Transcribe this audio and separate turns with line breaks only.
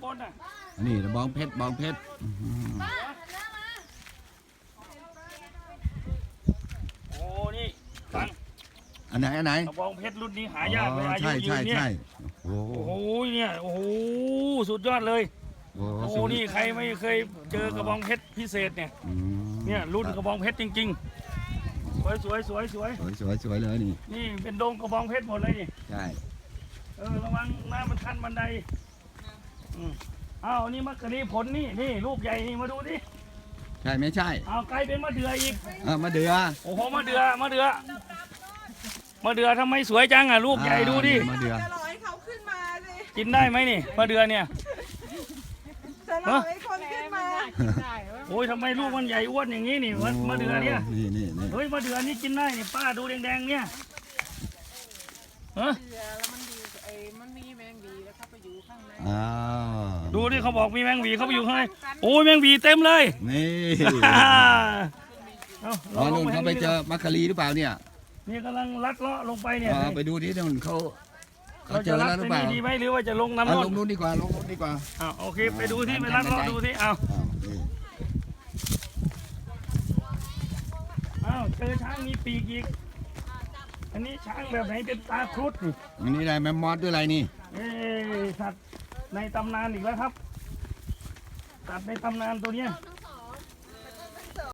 บนน่ะ
นี่บองเพชร
โอ้นี่ฟัง
อันไหน
กระบองเพชรรุ่นนี้หายากเลยอายุยืนเนี่ยโอ้โหเนี่ยโอ้โหสุดยอดเลยโอ้โหนี่ใครไม่เคยเจอกระบองเพชรพิเศษเนี่ยรุ่นกระบองเพชรจริงๆสวย
เลย
นี่เป็นโดงกระบองเพชรหมดเลยนี่
ใช่
ระวังน้ำมันทันบันไดนี่มะกะลีผลนี่ลูกใหญ่นี่มาดูดิ
ใช่ไม่ใช่
ไกลเป็นมะเดื่ออีก
มะเดื่อ
โอ้โหมะเดื่อทำไมสวยจังอ่ะลูกใหญ่ดูดิ
มะเดื่อ
กินได้ไหมนี่มะเดื่อเนี่ย
จะรอให้คนขึ้นมา
โอ้ยทำไมลูกมันใหญ่อ้วนอย่างนี้นี่มะเดื่อเนี่ย
นี่
เฮ้ยมะเดื่อนี่กินได้นี่ป้าดูแดงๆเนี่ย
มันมีแมงวีแล้วเข้าไปอยู่ข้างใน
ดูดิเขาบอกมีแมงวีเข้าไปอยู่ข้างในโอ้ยแมงวีเต็มเลย
นี่นู่นเขาไปเจอมัคคารีหรือเปล่าเนี่ย
นี่กำลังลัดเลาะลงไปเนี่ย
ไปดูที่นู่นเขาเจอแล้วหรือเปล่า
ดีไหมหรือว่าจะลงน้ำ
ลงนู่นดีกว่า
โอเคไปดูที่ไปลัดเลาะดูที่เจอช้างมีปีกอีกอันนี้ช้างแบบไหนเป็นตาครุฑ
อันนี้อะไรแมมมอสด้วยอะไรนี่
สัตว์ในตำนานอีกแล้วครับสัตว์ในตำนานตัวเนี้ย